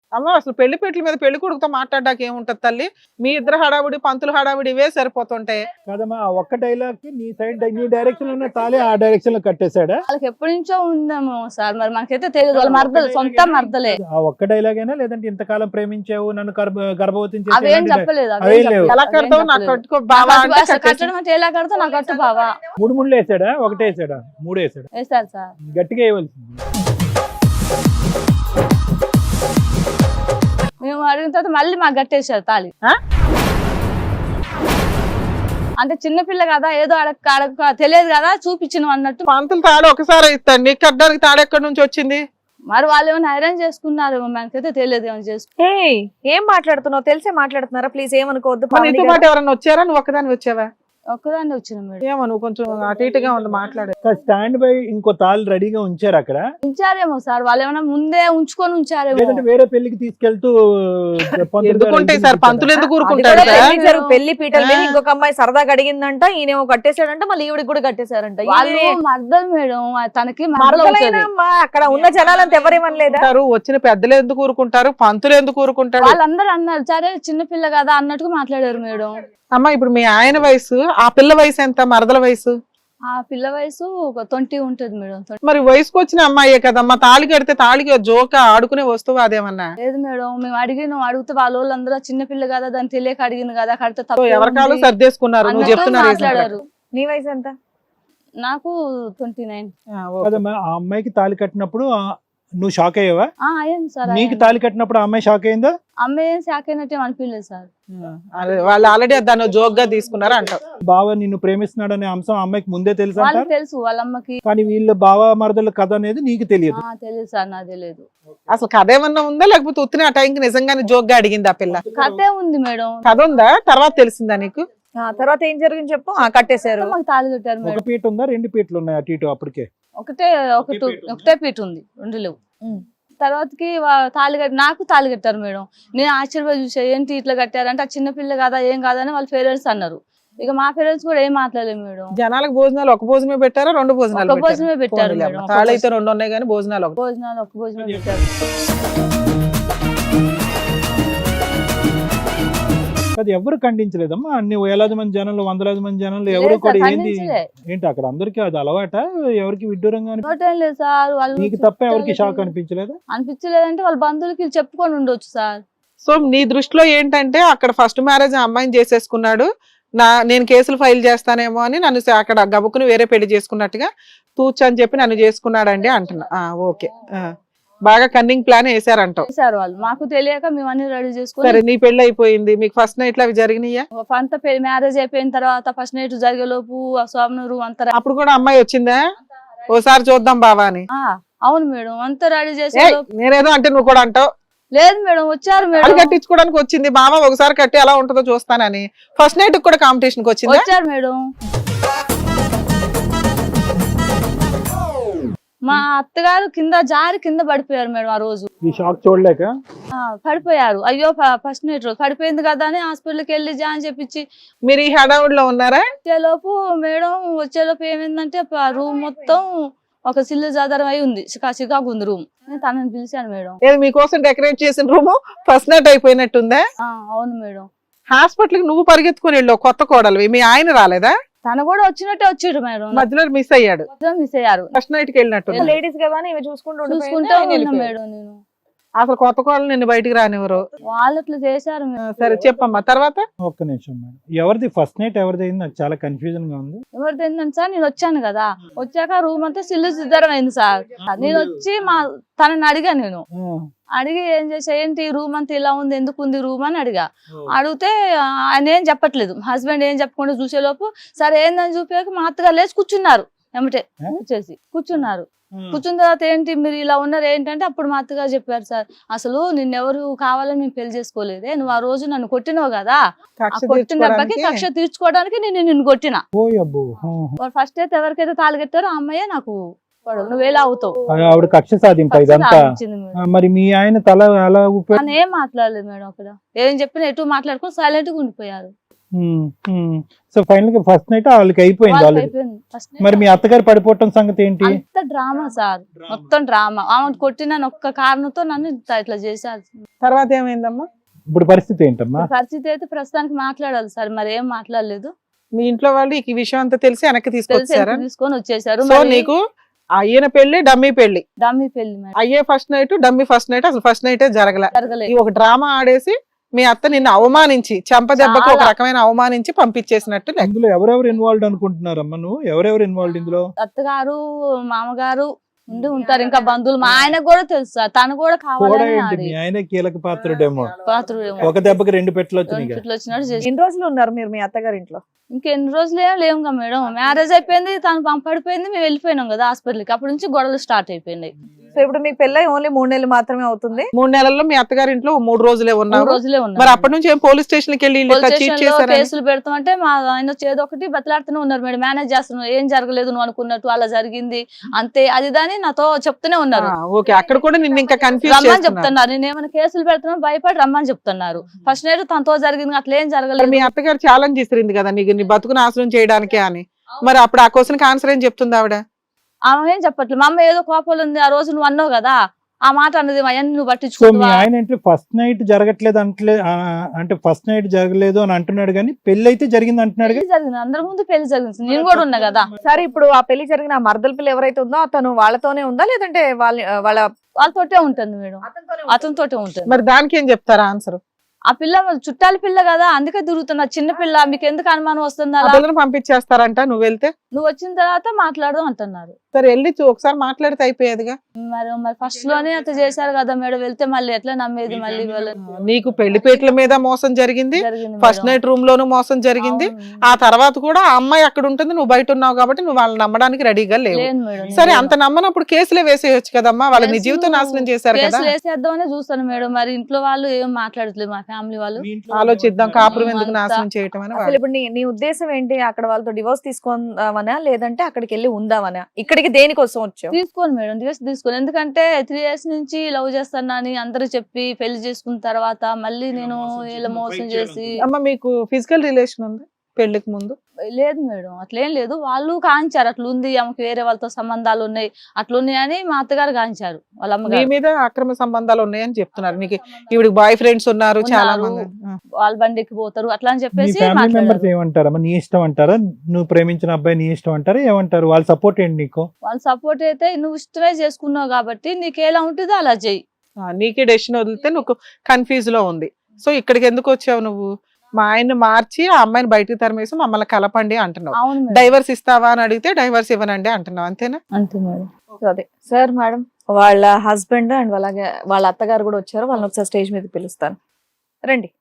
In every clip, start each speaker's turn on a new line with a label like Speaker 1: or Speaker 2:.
Speaker 1: అమ్మ అసలు పెళ్లి పెట్ల మీద పెళ్లి కొడుకుతో మాట్లాడడానికి ఏముంటది తల్లి? మీ ఇద్దరు హడావుడి పంతులు హడావుడి ఇవే సరిపోతుంటాయి.
Speaker 2: కాదమ్మా ఆ ఒక్క డైలాగ్ కి నీ సైడ్ నీ డైరెక్షన్ లో ఉన్న తాళి ఆ డైరెక్షన్ లో కట్టేశాడా?
Speaker 3: వాళ్ళకి ఎప్పటి నుంచో ఉందేమో సార్, మరి మనకైతే తెలియదు. వాళ్ళ మర్దలు, సొంత మర్దలే.
Speaker 2: ఆ ఒక్క డైలాగ్ అయినా లేదంటే ఇంతకాలం ప్రేమించావు నన్ను గర్భవతిని
Speaker 3: అవేం
Speaker 2: చేసి
Speaker 3: చెప్పలేదు.
Speaker 2: అవేం లేవు.
Speaker 1: ఎలా కడతావు? నాకు కట్టుకో బావా అంటే కట్టేసి-
Speaker 3: కట్టడం అంటే ఎలా కడతావు? నాకు కట్టు బావా.
Speaker 2: మూడు ముళ్ళు వేసాడా ఒకటే వేసాడా? మూడు వేసాడా?
Speaker 3: వేస్తారు సార్.
Speaker 2: గట్టిగా వేయవలసింది.
Speaker 3: మేము అడిగిన తర్వాత మళ్ళీ మాకు కట్టేశారు తాళి.
Speaker 1: ఆ?
Speaker 3: అంటే చిన్నపిల్ల కదా, ఏదో అడగ తెలియదు కదా, చూపించిన అన్నట్టు.
Speaker 1: పంతులు తాడు ఒకసారి ఇస్తాడు, నీకు కట్టడానికి తాడు ఎక్కడి నుంచి వచ్చింది?
Speaker 3: మరి వాళ్ళు ఏమైనా అరేంజ్ చేసుకున్నారు, మనకైతే తెలియదు ఏమైనా చేసుకున్నారు.
Speaker 4: ఏం మాట్లాడుతున్నావు? తెలిసే మాట్లాడుతున్నారా? ప్లీజ్ ఏమనుకోవద్దు.
Speaker 1: మరి నీతో పాటు ఎవరన్నా వచ్చారా? నువ్వు ఒక్కదాని వచ్చావా?
Speaker 3: ఒక్కదాన్ని వచ్చిన మేడం.
Speaker 1: ఏమో నువ్వు కొంచెం అటు ఇటుగా ఉంది మాట్లాడే.
Speaker 2: స్టాండ్ బై ఇంకో తాళి రెడీగా ఉంచారు అక్కడ,
Speaker 3: ఉంచారేమో సార్, వాళ్ళు ఏమైనా ముందే ఉంచుకొని ఉంచారేమో.
Speaker 2: లేదంటే వేరే పెళ్లికి తీసుకెళ్తూ
Speaker 1: ఎందుకుంటాయి సార్ పంతులు, ఎందుకు
Speaker 4: అది
Speaker 1: ఊరుకుంటాడు
Speaker 4: కూడా
Speaker 1: సార్?
Speaker 4: పెళ్లి పెళ్లి పీటల మీద ఇంకొక అమ్మాయి సరదాగా అడిగిందంట, ఈయనేమో కట్టేశాడంట, మళ్ళీ ఈవిడికి కూడా కట్టేశారంట.
Speaker 3: వాళ్ళు మర్దలు మేడం, తనకి మరదలు
Speaker 4: మరదలైనా అమ్మా, అక్కడ ఉన్న జనాలంతా ఎవరేమనలేదా?
Speaker 1: వచ్చిన పెద్దలు ఎందుకు ఊరుకుంటారు, పంతులు ఎందుకు ఊరుకుంటాడు?
Speaker 3: వాళ్ళందరూ అన్నారు సరే చిన్నపిల్ల కదా అన్నట్టుగా మాట్లాడారు మేడం.
Speaker 1: అమ్మ ఇప్పుడు మీ ఆయన వయసు, ఆ పిల్ల వయసు ఎంత? మరదల వయసు?
Speaker 3: ఆ పిల్ల వయసు ఒక 20 ఉంటది మేడం.
Speaker 1: మరి వయసుకు వచ్చిన అమ్మాయే కదమ్మా, తాళి కడితే తాళికి జోక ఆడుకునే వస్తువు అదేమన్నా?
Speaker 3: లేదు మేడం, మేము అడిగితే వాళ్ళందరూ చిన్నపిల్ల కదా, దాన్ని తెలియక అడిగింది కదా, కడితే తప్పు
Speaker 1: ఎవరికాలు సర్దేసుకున్నారు. నువ్వు
Speaker 3: అన్నట్టు
Speaker 1: చెప్తున్నారు
Speaker 3: మాట్లాడారు.
Speaker 4: నీ వయసు ఎంత?
Speaker 3: నాకు 29.
Speaker 2: కదమ్మా ఆ అమ్మాయికి తాళి కట్టినప్పుడు నువ్వు షాక్ అయ్యావా?
Speaker 3: అయ్యింది సార్.
Speaker 2: నీకు తాళి కట్టినప్పుడు ఆ అమ్మాయి షాక్ అయిందా?
Speaker 3: అమ్మాయి ఏం శాఖ అయినట్టు అనిపించలేదు సార్.
Speaker 1: వాళ్ళు ఆల్రెడీ దాన్ని జోక్ గా తీసుకున్నారు అంటారు.
Speaker 2: బావ నిన్ను ప్రేమిస్తున్నాడు అనే అంశం ఆ అమ్మాయికి ముందే తెలుసు
Speaker 3: వాళ్ళకి
Speaker 2: అంటారు,
Speaker 3: తెలుసు వాళ్ళ అమ్మకి.
Speaker 2: కానీ వీళ్ళ బావ మరదల కథ అనేది నీకు తెలియదు.
Speaker 3: తెలియదు సార్, నాకు తెలియదు.
Speaker 1: అసలు కథ ఏమన్నా ఉందా, లేకపోతే ఉత్తిన ఆ టైంకి నిజంగానే జోక్ గా అడిగింది ఆ పిల్ల?
Speaker 3: కథే ఉంది మేడం.
Speaker 1: కథ ఉందా? తర్వాత తెలిసిందా నీకు?
Speaker 4: తర్వాత ఏం జరిగింది చెప్పు. కట్టేశారు.
Speaker 3: మాకు తాళి కట్టారు
Speaker 2: ఒక
Speaker 3: మేడం.
Speaker 2: పీట ఉందా, రెండు పీటలు ఉన్నాయి అటు ఇటు? అప్పటికే
Speaker 3: ఒకటే పీట ఉంది, రెండు లేవు. తర్వాతకి తాళి కట్టి నాకు తాళి కట్టారు మేడం. నేను ఆశ్చర్యపోయి చూసా, ఏంటి ఇట్లా కట్టారంటే ఆ చిన్నపిల్ల కదా ఏం కాదని వాళ్ళ పేరెంట్స్ అన్నారు. ఇక మా పేరెంట్స్ కూడా ఏం మాట్లాడలేదు మేడం.
Speaker 1: జనాలకు భోజనాలు ఒక భోజనమే పెట్టారా, రెండు భోజనాలు?
Speaker 3: ఒక భోజనమే పెట్టారు మేడం.
Speaker 1: తాళి అయితే రెండు ఉన్నాయి కానీ భోజనాలు
Speaker 3: ఒక భోజనమే పెట్టారు.
Speaker 2: అది ఎవరు ఖండించలేదమ్మా? అన్ని వేలాది మంది జనంలో, వందలాది మంది జనంలో ఎవరు కూడా ఏంది ఏంటి అక్కడ అందరికి అది అలవాట? ఎవరికి విడ్డూరంగా
Speaker 3: లేదు సార్. వాళ్ళు
Speaker 2: నీకు తప్ప ఎవరికి షాక్ అనిపించలేదు?
Speaker 3: అనిపించలేదంటే వాళ్ళ బంధువులకి చెప్పుకొని ఉండొచ్చు సార్.
Speaker 1: సో నీ దృష్టిలో ఏంటంటే అక్కడ ఫస్ట్ మ్యారేజ్ అమ్మాయిని చేసేసుకున్నాడు, నేను కేసులు ఫైల్ చేస్తానేమో అని నన్ను అక్కడ గబుకుని వేరే పెళ్లి చేసుకున్నట్టుగా తూచు అని చెప్పి నన్ను చేసుకున్నాడండి అంటున్నా. ఓకే, బాగా కన్నింగ్ ప్లాన్ వేసారంటావు.
Speaker 3: సార్ వాళ్ళు మాకు తెలియక మేము అన్ని రెడీ చేసుకుని.
Speaker 1: సరే నీ పెళ్లి అయిపోయింది, మీకు ఫస్ట్ నైట్ అవి జరిగినాయా?
Speaker 3: అంత మ్యారేజ్ అయిపోయిన తర్వాత ఫస్ట్ నైట్ జరిగేలోపు స్వామినూరు అంతా.
Speaker 1: అప్పుడు కూడా అమ్మాయి వచ్చిందా ఓసారి చూద్దాం బావా అని?
Speaker 3: అవును మేడం, అంతా రెడీ చేసే.
Speaker 1: నేనేదో అంటే నువ్వు కూడా అంటావు.
Speaker 3: లేదు మేడం, వచ్చారు మేడం.
Speaker 1: కట్టించుకోవడానికి వచ్చింది బావా, ఒకసారి కట్టి ఎలా ఉంటుందో చూస్తానని. ఫస్ట్ నైట్ కూడా కాంపిటీషన్ కి వచ్చింది.
Speaker 3: వచ్చారు మేడం. మా అత్తగారు కింద పడిపోయారు మేడం. ఆ రోజు
Speaker 2: ఈ షాక్ చూడలేక
Speaker 3: పడిపోయారు. అయ్యో ఫస్ట్ నైట్ రోజు పడిపోయింది కదా అని హాస్పిటల్కి వెళ్ళి అని చెప్పించి.
Speaker 1: మీరు ఈ హడావుడిలో ఉన్నారా?
Speaker 3: వచ్చేలోపు ఏమైందంటే రూమ్ మొత్తం ఒక సిల్లు జాదరం అయి ఉంది, చికాకు ఉంది రూమ్. నేను తనని పిలిచాను మేడం.
Speaker 1: మీకోసం డెకరేట్ చేసిన రూమ్ ఫస్ట్ నైట్ అయిపోయినట్టుందా?
Speaker 3: అవును మేడం.
Speaker 1: హాస్పిటల్ కి నువ్వు పరిగెత్తుకుని వెళ్ళావు, కొత్త కోడలు. మీ ఆయన రాలేదా?
Speaker 3: తను కూడా వచ్చినట్టే వచ్చాడు మేడం.
Speaker 1: మధ్యలో మిస్ అయ్యాడు. ఫస్ట్ నైట్ కి వెళ్ళినట్టు.
Speaker 4: లేడీస్ కదా చూసుకుంటూ
Speaker 3: ఉన్నా మేడం నేను.
Speaker 1: అసలు కొత్త కోడలు నిన్ను బయటికి రానివ్వరు.
Speaker 3: వాళ్ళు అట్లా చేశారు.
Speaker 1: సరే చెప్పమ్మా తర్వాత.
Speaker 2: ఒక్క నిమిషం మేడం, ఎవరిది ఫస్ట్ నైట్ ఎవరిది అయింది? నాకు చాలా కన్ఫ్యూజన్ గా ఉంది.
Speaker 3: ఎవరిది ఏంటంటే సార్, నేను వచ్చాను కదా, వచ్చాక రూమ్ అంతా సిల్లు సిద్ధరం అయింది సార్. నేను వచ్చి తనని అడిగా. నేను అడిగి ఏం చేసా, ఏంటి రూమ్ అంతా ఇలా ఉంది, ఎందుకు ఉంది రూమ్ అని అడిగితే ఆయన ఏం చెప్పట్లేదు. హస్బెండ్ ఏం చెప్పకుండా చూసేలోపు సరే ఏందని చూపాక మా అత్తగారు లేచి కూర్చున్నారు. ఎమ్మటే వచ్చేసి కూర్చున్నారు. కూర్చున్న తర్వాత ఏంటి మీరు ఇలా ఉన్నారు ఏంటంటే అప్పుడు మా అత్తగారు చెప్పారు, సార్ అసలు నిన్నెవరు కావాలని మేము పెళ్లి చేసుకోలేదే, నువ్వు ఆ రోజు నన్ను కొట్టినావు కదా, కొట్టిన దెబ్బకి కక్ష తీర్చుకోవడానికి నేను నిన్ను కొట్టినా. ఫస్ట్ అయితే ఎవరికైతే తాళి కట్టారో ఆ అమ్మాయే నాకు నువ్వేలా అవుతావు.
Speaker 2: ఆవిడ కక్ష సాధింప ఇదంతా. మరి మీ ఆయన తల ఎలా
Speaker 3: అని ఏం మాట్లాడలేదు మేడం. అక్కడ ఏం చెప్పినా ఎటు మాట్లాడుకుని సైలెంట్ గా ఉండిపోయారు.
Speaker 2: సో ఫైనల్ గా ఫస్ట్ నైట్ వాళ్ళకి అయిపోయింది. మరి మీ అత్తగారు పడిపోవటం సంగతి ఏంటి?
Speaker 3: అంత డ్రామా సార్, మొత్తం డ్రామా. ఆమె కొట్టిన ఒక్క కారణంతో నన్ను ఇట్లా చేశారు.
Speaker 1: తర్వాత ఏమైందమ్మా?
Speaker 2: ఇప్పుడు పరిస్థితి ఏంటమ్మా?
Speaker 3: పరిస్థితి అయితే ప్రస్తుతానికి మాట్లాడాలి సార్, మరి ఏం మాట్లాడలేదు.
Speaker 1: మీ ఇంట్లో వాళ్ళు ఈ విషయం అంతా తెలిసి వెనక్కి
Speaker 3: తెలిసి
Speaker 1: తీసుకొచ్చారా?
Speaker 3: తీసుకొని వచ్చేసారు.
Speaker 1: సో నీకు అయ్యిన పెళ్లి డమ్మీ పెళ్లి,
Speaker 3: డమ్మీ పెళ్లి మేడం,
Speaker 1: అయ్యే first night dummy first night, అసలు ఫస్ట్ నైటే జరగలే.
Speaker 3: జరగలేదు.
Speaker 1: ఈ ఒక డ్రామా ఆడేసి మీ అత్త నిన్ను అవమానించి చెంపదెబ్బకి ఒక రకమైన అవమానించి పంపించేసినట్టు లెక్క.
Speaker 2: ఇందులో ఎవరెవరు ఇన్వాల్వ్డ్ అనుకుంటున్నారమ్మా నువ్వు? ఎవరెవరు ఇన్వాల్వ్డ్ ఇందులో?
Speaker 3: అత్తగారు మామగారు ఉండి ఉంటారు, ఇంకా బంధువులు. మా ఆయనకు కూడా తెలుసు సార్, తను కూడా
Speaker 2: కూడా
Speaker 3: కావాలని
Speaker 2: ఏంటి
Speaker 3: ఆడి
Speaker 2: మీ ఆయన కీలక పాత్రుడేమో.
Speaker 3: పాత్రుడేమో.
Speaker 2: ఒక దెబ్బకి 2 పెట్టలు వచ్చినాయి.
Speaker 3: ఇట్లా వచ్చినట్టు చేసి
Speaker 4: ఎన్ని రోజులు ఉన్నారు మీరు మీ అత్తగారి ఇంట్లో?
Speaker 3: ఇంకెన్ని రోజులు ఏం లేవుగా మేడం, మ్యారేజ్ అయిపోయింది, తను పంపడిపోయింది, మేము వెళ్ళిపోయినాం కదా హాస్పిటల్కి. అప్పటి నుంచి గొడవలు స్టార్ట్ అయిపోయినాయి.
Speaker 4: సో ఇప్పుడు మీకు పెళ్ళై ఓన్లీ 3 నెలలు మాత్రమే అవుతుంది.
Speaker 1: 3 నెలల్లో మీ అత్తగారి ఇంట్లో 3 రోజులే
Speaker 3: 3
Speaker 1: ఉన్నారు.
Speaker 3: రోజులే ఉన్నాయి.
Speaker 1: మరి అప్పటి నుంచి ఏం పోలీస్ స్టేషన్ కి వెళ్ళి
Speaker 3: పోలీస్
Speaker 1: చీట్
Speaker 3: స్టేషన్ లో
Speaker 1: చేశారని?
Speaker 3: కేసులు పెడతామంటే మా ఆయన చేదో ఒకటి బతలాడుతూనే ఉన్నారు మేడం. మేనేజ్ చేస్తున్నావు, ఏం జరగలేదు నువ్వు అనుకున్నట్టు, అలా జరిగింది అంతే అది దాని నాతో చెప్తూనే ఉన్నారు.
Speaker 1: ఓకే, అక్కడ కూడా నిన్ను ఇంకా కన్ఫ్యూజ్
Speaker 3: రమ్మని
Speaker 1: చేస్తున్నారు.
Speaker 3: చెప్తున్నారు, నేను ఏమైనా కేసులు పెడుతున్నా భయపడి రమ్మని చెప్తున్నారు. ఫస్ట్ నైట్ తనతో జరిగింది, అట్లా ఏం
Speaker 1: మరి
Speaker 3: జరగలేదు.
Speaker 1: మీ అత్తగారు ఛాలెంజ్ ఇస్తుంది కదా నీకు, నీ బతుకు నాశనం చేయడానికే అని. మరి అప్పుడు ఆ క్వశ్చన్ ఆన్సర్ ఏం చెప్తుంది ఆవిడ?
Speaker 3: ఆమె ఏం చెప్పట్లేదు. మా అమ్మ ఏదో కోపాలు ఉంది, ఆ రోజు నువ్వు అన్నావు కదా, ఆ మాట అన్నది అవన్నీ నువ్వు
Speaker 2: సో మీ
Speaker 3: పట్టించుకుంటావా?
Speaker 2: ఆయన అంటే ఫస్ట్ నైట్ జరగట్లేదు అంటే ఫస్ట్ నైట్ జరగలేదు అని అంటున్నాడు, కానీ పెళ్లి అయితే జరిగింది అంటున్నాడు.
Speaker 3: పెళ్లి జరిగింది, అందరి ముందు పెళ్లి జరిగింది, నేను కూడా ఉన్నా కదా.
Speaker 4: సరే ఇప్పుడు ఆ పెళ్లి జరిగిన ఆ మరదల పిల్ల ఎవరైతే ఉందో అతను వాళ్ళతోనే ఉందా లేదంటే వాళ్ళ
Speaker 3: వాళ్ళతోటే ఉంటుంది మేడం, అతనితోటే ఉంటుంది.
Speaker 1: మరి దానికి ఏం చెప్తారా ఆన్సర్?
Speaker 3: ఆ పిల్ల చుట్టాల పిల్ల కదా, అందుకే తిరుగుతున్నా. చిన్న పిల్ల, మీకు ఎందుకు అనుమానం వస్తుంది?
Speaker 1: ఆ
Speaker 3: అలా
Speaker 1: పిల్లని పంపించేస్తారంట నువ్వు వెళ్తే?
Speaker 3: నువ్వు వచ్చిన తర్వాత మాట్లాడదాం అంటున్నారు.
Speaker 1: సరే వెళ్ళి ఒకసారి మాట్లాడితే అయిపోయేదిగా.
Speaker 3: మరి ఫస్ట్ లోనే అట్లా చేశారు కదా మేడం, వెళ్తే మళ్ళీ ఎట్లా నమ్మేది? మళ్ళీ
Speaker 1: నీకు పెళ్లిపేటల మీద మోసం జరిగింది,
Speaker 3: జరిగింది
Speaker 1: ఫస్ట్
Speaker 3: మేడం.
Speaker 1: నైట్ రూమ్ లోను మోసం జరిగింది.
Speaker 3: అవును.
Speaker 1: ఆ తర్వాత కూడా ఆ అమ్మాయి అక్కడ ఉంటుంది, నువ్వు బయట ఉన్నావు కాబట్టి నువ్వు వాళ్ళని నమ్మడానికి రెడీగా లేవు.
Speaker 3: లేదు మేడం.
Speaker 1: సరే అంత నమ్మనప్పుడు కేసులే వేసేయచ్చు కదమ్మా, వాళ్ళ నీ జీవితం నాశనం చేశారు కదా.
Speaker 3: కేసులు వేసేద్దామనే చూస్తాను మేడం, మరి ఇంట్లో వాళ్ళు ఏం మాట్లాడట్లేదు, మా ఫ్యామిలీ వాళ్ళు.
Speaker 1: ఆలోచిద్దాం, కాపురం ఎందుకు
Speaker 3: అంతా.
Speaker 1: నాశనం చేయటం అని
Speaker 4: అసలు
Speaker 1: వాళ్ళు.
Speaker 4: ఇప్పుడు నీ ఉద్దేశం ఏంటి? అక్కడ వాళ్ళతో డివోర్స్ తీసుకుందామనా లేదంటే అక్కడికి వెళ్ళి ఉందామనా? ఇక్కడికి దేనికోసం వచ్చావు?
Speaker 3: తీసుకోను మేడం, తీసుకోను. ఎందుకంటే 3 years నుంచి లవ్ చేస్తానని అందరూ చెప్పి పెళ్లి చేసుకున్న తర్వాత మళ్ళీ నేను ఇలా మోసం చేసి.
Speaker 1: అమ్మ మీకు ఫిజికల్ రిలేషన్ ఉంది పెళ్లికి ముందు?
Speaker 3: లేదు మేడం, అట్లేం లేదు. వాళ్ళు కాంచారు, అట్లా ఉంది ఆమెకి, వేరే వాళ్ళతో సంబంధాలు ఉన్నాయి, అట్లున్నాయి అని మా అత్తగారు కాంచారు, వాళ్ళ
Speaker 1: మీ
Speaker 3: అమ్మగారు.
Speaker 1: మీద అక్రమ సంబంధాలు ఉన్నాయని చెప్తున్నారు. నీకు ఈవిడికి బాయ్ ఫ్రెండ్స్ ఉన్నారు చాలా
Speaker 3: ఉన్నారు.
Speaker 1: మంది.
Speaker 3: వాళ్ళ బండికి పోతారు అట్లా అని
Speaker 2: మీ
Speaker 3: చెప్పేసి
Speaker 2: ఫ్యామిలీ మెంబర్స్
Speaker 3: మాట్లాడారు.
Speaker 2: ఏమంటారమ్మా? నీ ఇష్టం అంటారా? నువ్వు ప్రేమించిన అబ్బాయి నీ ఇష్టం అంటారా? ఏమంటారు? వాళ్ళ సపోర్ట్ ఏంటి నీకు?
Speaker 3: వాళ్ళ సపోర్ట్ అయితే, నువ్వు ఇష్టమే చేసుకున్నావు కాబట్టి నీకు ఎలా ఉంటుందో అలా చెయ్యి.
Speaker 1: నీకే డెసిషన్ వదిలితే నువ్వు కన్ఫ్యూజ్ లో ఉంది. సో ఇక్కడికి ఎందుకు వచ్చావు నువ్వు? మా ఆయన్ని మార్చి ఆ అమ్మాయిని బయటకు తరిమేసి మమ్మల్ని కలపండి అంటున్నావు.
Speaker 3: అవును మేడం.
Speaker 1: డైవర్స్ ఇస్తావా అని అడిగితే డైవర్స్ ఇవ్వనండి అంటున్నావు, అంతేనా?
Speaker 3: అంతే మేడం.
Speaker 4: అదే సార్ మేడం, వాళ్ళ హస్బెండ్ అండ్ అలాగే వాళ్ళ అత్తగారు కూడా వచ్చారు. వాళ్ళని ఒకసారి స్టేజ్ మీద పిలుస్తాను, రండి.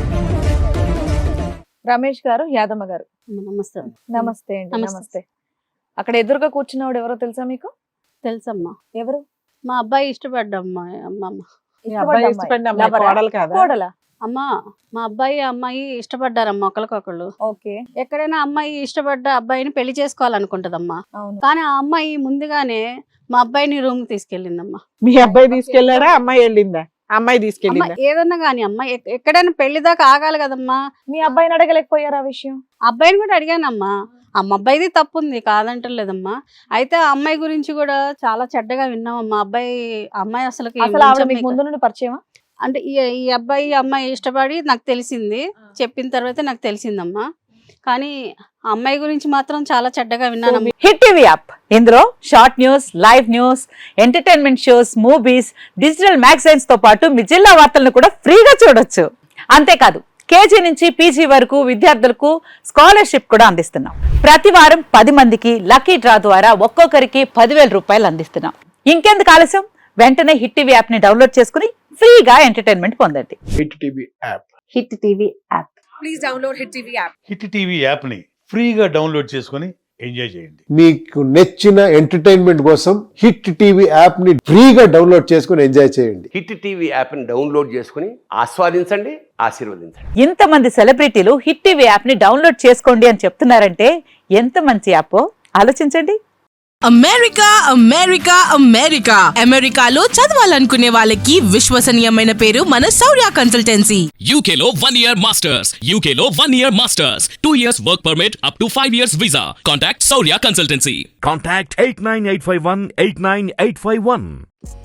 Speaker 4: రమేష్ గారు, యాదమ్మ గారు,
Speaker 5: నమస్తే.
Speaker 4: నమస్తే అండి.
Speaker 5: నమస్తే.
Speaker 4: నమస్తే. అక్కడ ఎదురుగా కూర్చున్నవాడు ఎవరో తెలుసా మీకు?
Speaker 5: తెలుసమ్మా,
Speaker 4: ఎవరు?
Speaker 5: మా అబ్బాయి ఇష్టపడ్డమ్మా. అమ్మమ్మ
Speaker 1: మీ అబ్బాయి ఇష్టపడిన అమ్మాయి
Speaker 4: లవరా?
Speaker 1: కోడలు కాదా?
Speaker 4: కోడలా?
Speaker 5: అమ్మా, మా అబ్బాయి అమ్మాయి ఇష్టపడ్డారమ్మా ఒకరికొకళ్ళు.
Speaker 4: ఓకే.
Speaker 5: ఎక్కడైనా అమ్మాయి ఇష్టపడ్డ అబ్బాయిని పెళ్లి చేసుకోవాలనుకుంటదమ్మా,
Speaker 4: అవును.
Speaker 5: కానీ ఆ అమ్మాయి ముందుగానే మా అబ్బాయిని రూమ్ కి తీసుకెళ్ళిందమ్మా.
Speaker 1: మీ అబ్బాయి తీసుకెళ్లాడా, అమ్మాయి వెళ్ళిందా? అమ్మాయి
Speaker 5: అమ్మ
Speaker 1: తీసుకెళ్ళిందా?
Speaker 5: ఏదన్నా గానీ అమ్మ ఎక్కడైనా పెళ్లి దాకా ఆగాలి కదమ్మా.
Speaker 4: మీ అబ్బాయిని అడగలేకపోయారా ఆ విషయం?
Speaker 5: అబ్బాయిని కూడా అడిగానమ్మా, అబ్బాయిది తప్పు ఉంది కాదంటలేదమ్మా. అయితే ఆ అమ్మాయి గురించి కూడా చాలా చెడ్డగా విన్నామమ్మా. అమ్మాయి అసలు
Speaker 4: అసలు ఆవిడ మీకు ముందు నుండి పరిచయమా?
Speaker 5: అంటే ఈ అబ్బాయి అమ్మాయి ఇష్టపడి నాకు తెలిసింది, చెప్పిన తర్వాత నాకు తెలిసిందమ్మా. కానీ ఆ అమ్మాయి గురించి మాత్రం చాలా చెడ్డగా విన్నాను.
Speaker 6: హిట్ టీవీ యాప్, ఇందులో short news, live news, entertainment shows, movies, digital magazines తో పాటు మీ జిల్లా వార్తలను కూడా ఫ్రీగా చూడొచ్చు. అంతేకాదు కేజీ నుంచి పీజీ వరకు విద్యార్థులకు స్కాలర్షిప్ కూడా అందిస్తున్నాం. ప్రతి వారం 10 మందికి లక్కీ డ్రా ద్వారా ఒక్కొక్కరికి 10,000 రూపాయలు అందిస్తున్నాం. ఇంకెందుకు ఆలస్యం, వెంటనే హిట్ టీవీ యాప్ ని డౌన్లోడ్ చేసుకుని ఫ్రీగా ఎంటర్టైన్మెంట్ పొందండి.
Speaker 7: Hit TV app.
Speaker 6: Hit TV app.
Speaker 4: Please download hit TV app.
Speaker 8: Hit TV యాప్ని ఫ్రీగా డౌన్లోడ్ చేసుకొని ఎంజాయ్ చేయండి.
Speaker 7: మీకు నచ్చిన ఎంటర్టైన్మెంట్ కోసం హిట్ టీవీ యాప్ ని ఫ్రీగా డౌన్లోడ్ చేసుకుని ఎంజాయ్ చేయండి.
Speaker 9: హిట్ టీవీ యాప్ని డౌన్లోడ్ చేసుకుని ఆస్వాదించండి, ఆశీర్వదించండి.
Speaker 6: ఇంతమంది సెలబ్రిటీలు హిట్ టీవీ యాప్ ని డౌన్లోడ్ చేసుకోండి అని చెప్తున్నారంటే ఎంత మంచి యాప్ ఆలోచించండి.
Speaker 10: అమెరికా అమెరికా అమెరికా అమెరికాలో చదవాలనుకునే వాళ్ళకి విశ్వసనీయమైన పేరు మన శౌర్య కన్సల్టెన్సీ.
Speaker 11: UK లో 1 year masters. UK లో 1 year masters. 2 years work permit up to 5 years visa. Contact Saurya Consultancy.
Speaker 12: Contact 89851 89851.